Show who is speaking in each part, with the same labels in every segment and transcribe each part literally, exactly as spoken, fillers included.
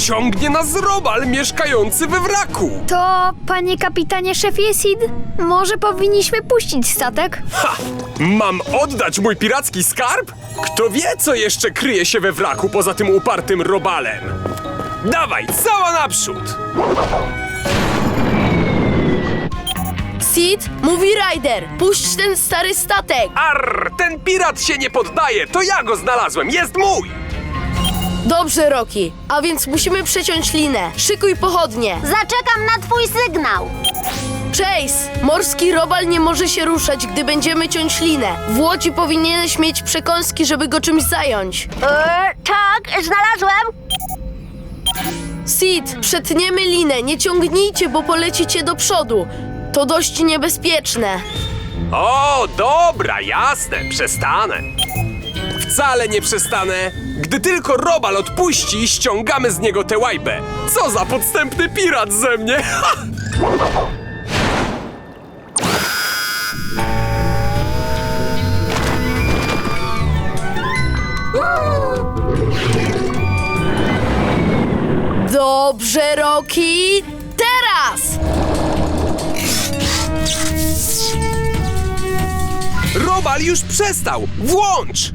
Speaker 1: Ciągnie nas robal mieszkający we wraku.
Speaker 2: To, panie kapitanie szefie Sid, może powinniśmy puścić statek?
Speaker 1: Ha! Mam oddać mój piracki skarb? Kto wie, co jeszcze kryje się we wraku poza tym upartym robalem? Dawaj, cała naprzód!
Speaker 3: Sid, mówi Ryder, puść ten stary statek.
Speaker 1: Arr, ten pirat się nie poddaje, to ja go znalazłem, jest mój!
Speaker 3: Dobrze, Rocky, a więc musimy przeciąć linę. Szykuj pochodnie.
Speaker 4: Zaczekam na twój sygnał.
Speaker 3: Chase, morski robal nie może się ruszać, gdy będziemy ciąć linę. W łodzi powinieneś mieć przekąski, żeby go czymś zająć.
Speaker 4: Eee, tak, znalazłem.
Speaker 3: Sid, przetniemy linę, nie ciągnijcie, bo polecicie do przodu. To dość niebezpieczne.
Speaker 1: O, dobra, jasne, przestanę. Wcale nie przestanę. Gdy tylko robal odpuści, ściągamy z niego tę łajbę. Co za podstępny pirat ze mnie! Ha!
Speaker 3: Dobrze, Rocky. Teraz!
Speaker 1: Robal już przestał! Włącz!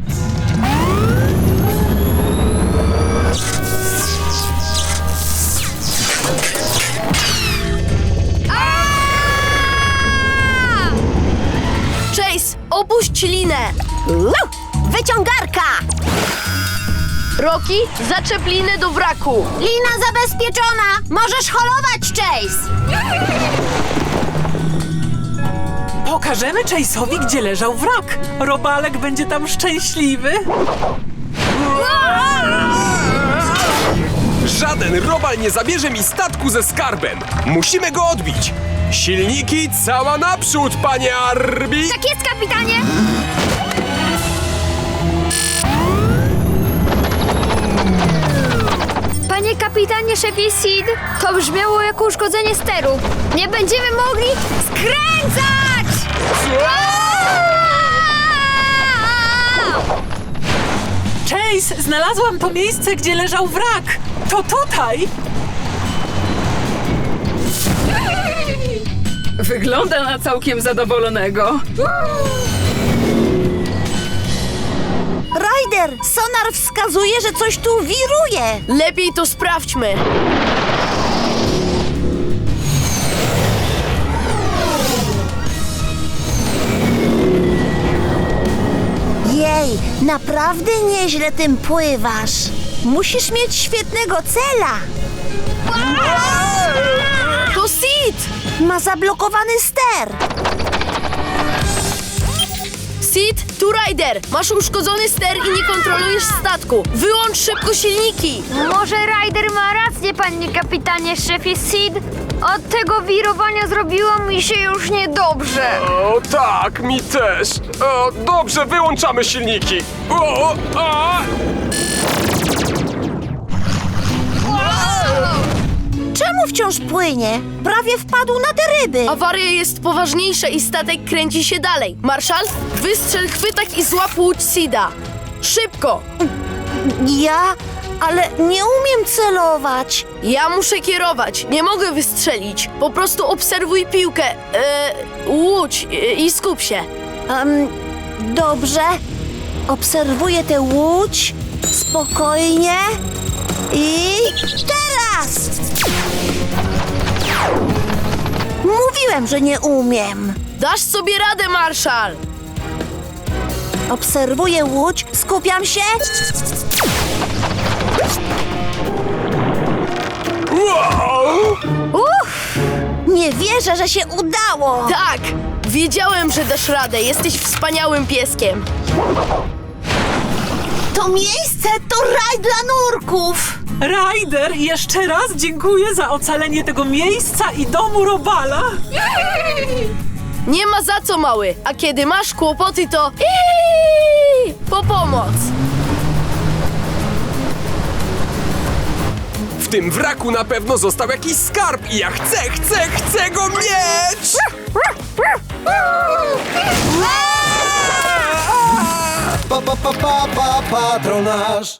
Speaker 3: Chase, opuść linę.
Speaker 4: Wyciągarka.
Speaker 3: Rocky, zaczep linę do wraku.
Speaker 4: Lina zabezpieczona. Możesz holować, Chase.
Speaker 5: Pokażemy Chase'owi, gdzie leżał wrak. Robalek będzie tam szczęśliwy.
Speaker 1: Żaden robal nie zabierze mi statku ze skarbem! Musimy go odbić! Silniki cała naprzód, panie Arbi!
Speaker 2: Tak jest, kapitanie! Panie kapitanie szefie Sid, to brzmiało jako uszkodzenie steru. Nie będziemy mogli skręcać!
Speaker 5: Chase, znalazłam to miejsce, gdzie leżał wrak. To tutaj.
Speaker 6: Wygląda na całkiem zadowolonego.
Speaker 4: Ryder, sonar wskazuje, że coś tu wiruje.
Speaker 3: Lepiej to sprawdźmy.
Speaker 4: Jej, naprawdę nieźle tym pływasz. Musisz mieć świetnego cela.
Speaker 3: To Sid!
Speaker 4: Ma zablokowany ster.
Speaker 3: Sid, tu Ryder. Masz uszkodzony ster i nie kontrolujesz statku. Wyłącz szybko silniki.
Speaker 2: Może Ryder ma rację, panie kapitanie szefie Sid? Od tego wirowania zrobiło mi się już niedobrze.
Speaker 1: O tak, mi też! O, dobrze, wyłączamy silniki! O, a!
Speaker 4: Czemu wciąż płynie? Prawie wpadł na te ryby.
Speaker 3: Awaria jest poważniejsza i statek kręci się dalej. Marszal, wystrzel chwytak i złap łódź Sida. Szybko!
Speaker 4: Ja? Ale nie umiem celować.
Speaker 3: Ja muszę kierować, nie mogę wystrzelić. Po prostu obserwuj piłkę, e, łódź e, i skup się.
Speaker 4: Um, dobrze. Obserwuję tę łódź. Spokojnie. I teraz! Mówiłem, że nie umiem.
Speaker 3: Dasz sobie radę, Marszal!
Speaker 4: Obserwuję łódź, skupiam się.
Speaker 1: Wow!
Speaker 4: Uff! Nie wierzę, że się udało.
Speaker 3: Tak! Wiedziałem, że dasz radę, jesteś wspaniałym pieskiem.
Speaker 4: To miejsce to raj dla nurków.
Speaker 5: Ryder, jeszcze raz dziękuję za ocalenie tego miejsca i domu robala.
Speaker 3: Nie ma za co, mały, a kiedy masz kłopoty, to iii, po pomoc.
Speaker 1: W tym wraku na pewno został jakiś skarb i ja chcę, chcę, chcę go mieć!
Speaker 7: Pa, pa, pa, pa, pa, patronaż.